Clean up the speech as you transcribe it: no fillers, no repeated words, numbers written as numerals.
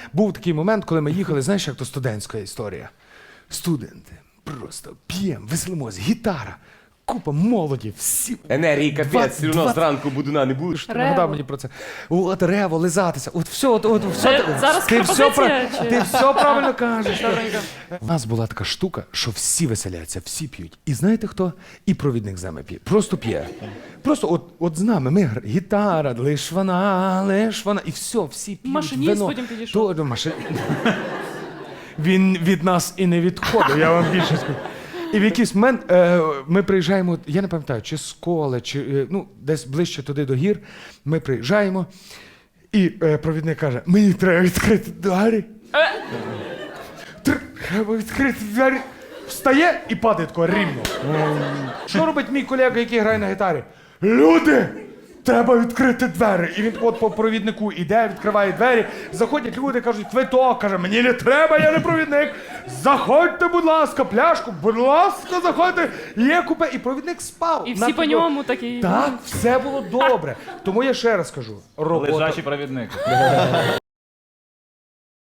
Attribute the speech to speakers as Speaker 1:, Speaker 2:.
Speaker 1: був такий момент, коли ми їхали, знаєш, як то студентська історія. Студенти, просто п'ємо, веселимось, гітара, купа молоді, всі.
Speaker 2: Енергії капець, все одно зранку будуна не будеш.
Speaker 1: Ти нагадав мені про це. От рево, лизатися, от все, все.
Speaker 3: Зараз
Speaker 1: Ти все,
Speaker 3: пропозиція, чи-
Speaker 1: ти все правильно кажеш. У нас була така штука, що всі веселяться, всі п'ють. І знаєте хто? І провідник з нами п'є. Просто п'є. Просто от з нами, гітара, лиш вона, і все, всі п'ють.
Speaker 3: Машиніст
Speaker 1: вино.
Speaker 3: потім підійшов.
Speaker 1: Він від нас і не відходив, я вам більше скажу. І в якийсь момент ми приїжджаємо, я не пам'ятаю, чи з Коли, чи десь ближче туди до гір, ми приїжджаємо, і провідник каже, мені треба відкрити двері. Треба відкрити двері. Встає і падає тако рівно. Що робить мій колега, який грає на гітарі? Люди! Треба відкрити двері. І він от по провіднику іде, відкриває двері. Заходять люди, кажуть, квиток. Каже, мені не треба, я не провідник. Заходьте, будь ласка, пляшку, будь ласка, заходьте. Є купе. І провідник спав.
Speaker 3: І всі по ньому такі.
Speaker 1: Так, все було добре. Тому я ще раз кажу. Робота.
Speaker 4: Лежачий провідник.